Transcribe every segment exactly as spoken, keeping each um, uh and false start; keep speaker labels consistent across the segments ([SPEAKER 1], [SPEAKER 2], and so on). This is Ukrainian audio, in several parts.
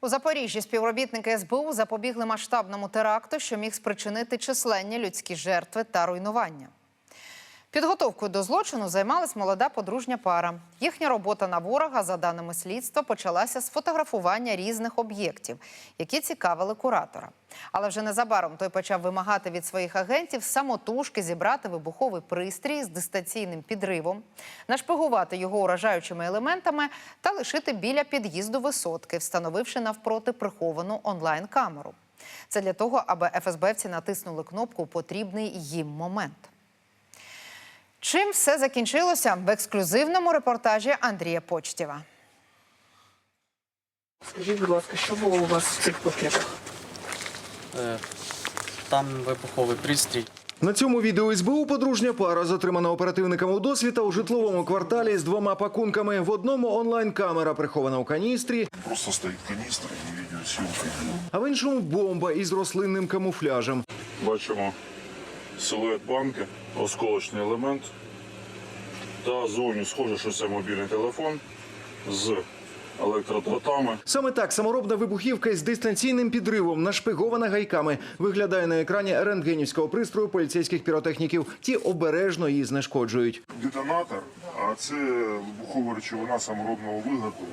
[SPEAKER 1] У Запоріжжі співробітники ес бе у запобігли масштабному теракту, що міг спричинити численні людські жертви та руйнування. Підготовкою до злочину займалась молода подружня пара. Їхня робота на ворога, за даними слідства, почалася з фотографування різних об'єктів, які цікавили куратора. Але вже незабаром той почав вимагати від своїх агентів самотужки зібрати вибуховий пристрій з дистанційним підривом, нашпигувати його уражаючими елементами та лишити біля під'їзду висотки, встановивши навпроти приховану онлайн-камеру. Це для того, аби еф ес бевці натиснули кнопку у потрібний їм момент. Чим все закінчилося в ексклюзивному репортажі Андрія Почтєва.
[SPEAKER 2] Скажіть, будь ласка, що було у вас в цих пакетах?
[SPEAKER 3] Е, там вибуховий пристрій.
[SPEAKER 4] На цьому відео ес бе у подружня пара затримана оперативниками у досвіта у житловому кварталі з двома пакунками. В одному онлайн-камера прихована у каністрі.
[SPEAKER 5] Просто стоїть каністра і відеосйомка.
[SPEAKER 4] А в іншому бомба із рослинним камуфляжем.
[SPEAKER 5] Бачимо силует банки, осколочний елемент. Та зовні схоже, що це мобільний телефон з електродротами.
[SPEAKER 4] Саме так саморобна вибухівка із дистанційним підривом, нашпигована гайками, виглядає на екрані рентгенівського пристрою поліцейських піротехніків. Ті обережно її знешкоджують.
[SPEAKER 5] Детонатор, а це вибухова речовина саморобного виготовлення.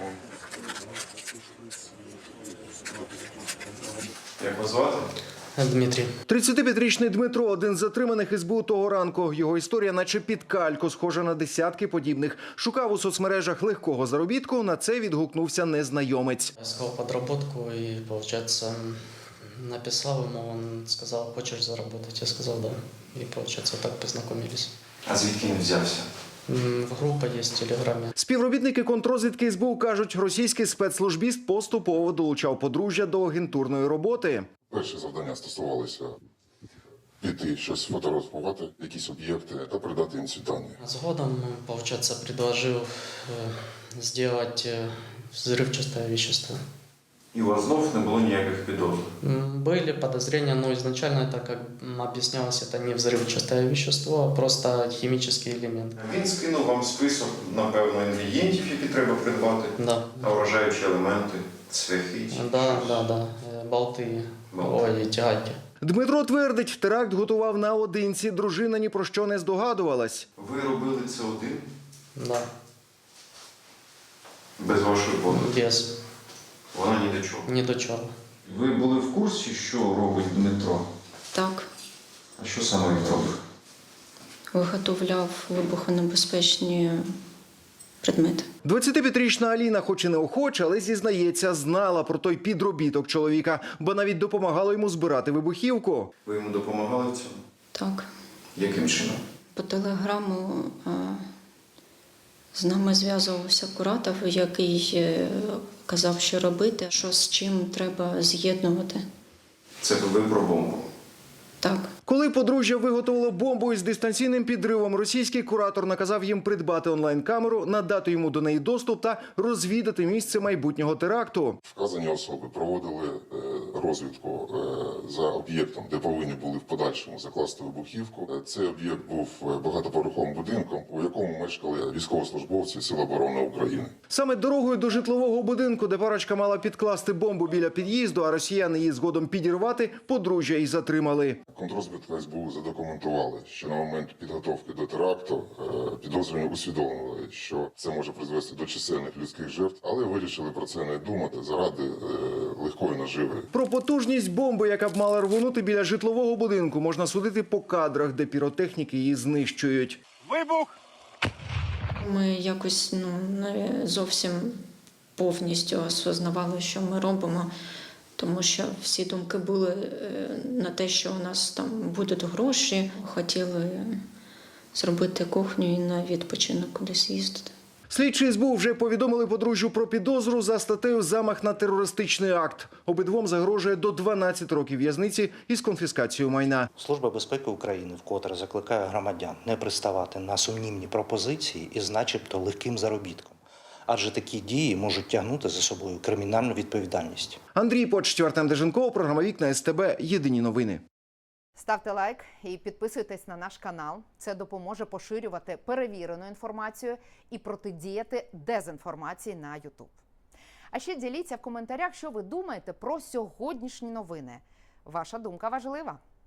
[SPEAKER 6] Як вас звати?
[SPEAKER 3] Дмитрій.
[SPEAKER 4] тридцятип'ятирічний Дмитро – один з затриманих ес бе у того ранку. Його історія наче під кальку, схожа на десятки подібних. Шукав у соцмережах легкого заробітку, на це відгукнувся незнайомець.
[SPEAKER 3] Искал подработку и, получается, написал ему, он сказал, хочешь заработать? Я сказал, да. И, получается, так познакомились.
[SPEAKER 6] А звідки він взявся?
[SPEAKER 3] М, Группа есть в Телеграме.
[SPEAKER 4] Співробітники контррозвідки ес бе у кажуть, російський спецслужбіст поступово долучав подружжя до агентурної роботи.
[SPEAKER 5] Перші завдання стосувалися піти, щось фотографувати, якісь об'єкти та передати їм ці дані.
[SPEAKER 3] Сгодом, получается, предложил э, сделать э, взрывчатое вещество.
[SPEAKER 6] І у вас знов не було ніяких підозр?
[SPEAKER 3] М, Были подозрения, но изначально это, как м, объяснялось, это не взрывчатое вещество, а просто химический элемент.
[SPEAKER 6] Він скинув вам список, напевно, інгредієнтів, які треба придбати,
[SPEAKER 3] Да.
[SPEAKER 6] та вражаючі елементи, цвяхи. чи
[SPEAKER 3] Да,
[SPEAKER 6] щось.
[SPEAKER 3] да, да, э, болты,
[SPEAKER 6] Болты.
[SPEAKER 3] ой, тяги.
[SPEAKER 4] Дмитро твердить, теракт готував наодинці, дружина ні про що не здогадувалась.
[SPEAKER 6] Ви робили це один?
[SPEAKER 3] Да,
[SPEAKER 6] Без вашої подруги?
[SPEAKER 3] без,
[SPEAKER 6] Вона ні до чого.
[SPEAKER 3] ни до чего.
[SPEAKER 6] Ви були в курсі, що робить Дмитро?
[SPEAKER 7] Так,
[SPEAKER 6] А що саме він робив?
[SPEAKER 7] виготовляв вибухонебезпечні предмети.
[SPEAKER 4] двадцятип'ятирічна Аліна, хоч і неохоче, але зізнається, знала про той підробіток чоловіка, бо навіть допомагала йому збирати вибухівку.
[SPEAKER 6] Ви йому допомагали в цьому?
[SPEAKER 7] Так,
[SPEAKER 6] Яким чином?
[SPEAKER 7] по телеграму а, з нами зв'язувався куратор, який е, казав, що робити, що з чим треба з'єднувати.
[SPEAKER 6] Це ви про бомбу.
[SPEAKER 7] Так.
[SPEAKER 4] Коли подружжя виготовило бомбу із дистанційним підривом, російський куратор наказав їм придбати онлайн-камеру, надати йому до неї доступ та розвідати місце майбутнього теракту.
[SPEAKER 5] Вказані особи проводили е, розвідку е, за об'єктом, де повинні були в подальшому закласти вибухівку. Е, Цей об'єкт був е, багатоповерховим будинком, у якому мешкали військовослужбовці Сил оборони України.
[SPEAKER 4] Саме дорогою до житлового будинку, де парочка мала підкласти бомбу біля під'їзду, а росіяни її згодом підірвати, подружжя і затримали.
[SPEAKER 5] Контррозвідка ес бе у задокументували, що на момент підготовки до теракту е, підозрювані усвідомили, що це може призвести до чисельних людських жертв, але вирішили про це не думати заради е, легкої наживи.
[SPEAKER 4] Про потужність бомби, яка б мала рвонути біля житлового будинку, можна судити по кадрах, де піротехніки її знищують.
[SPEAKER 7] Ми якось ну, не зовсім повністю осознавали, що ми робимо, тому що всі думки були е, на те, що у нас там будуть гроші. Хотіли зробити кухню і на відпочинок кудись їздити.
[SPEAKER 4] Слідчі ес бе у вже повідомили подружжю про підозру за статтею «Замах на терористичний акт». Обидвом загрожує до дванадцяти років в'язниці із конфіскацією майна.
[SPEAKER 8] Служба безпеки України вкотре закликає громадян не приставати на сумнівні пропозиції із начебто легким заробітком. Адже такі дії можуть тягнути за собою кримінальну відповідальність.
[SPEAKER 4] Андрій Почтєв, Артем Деженков, програма «Вікна ес те бе». Єдині новини.
[SPEAKER 1] Ставте лайк і підписуйтесь на наш канал. Це допоможе поширювати перевірену інформацію і протидіяти дезінформації на ютуб. А ще діліться в коментарях, що ви думаєте про сьогоднішні новини. Ваша думка важлива.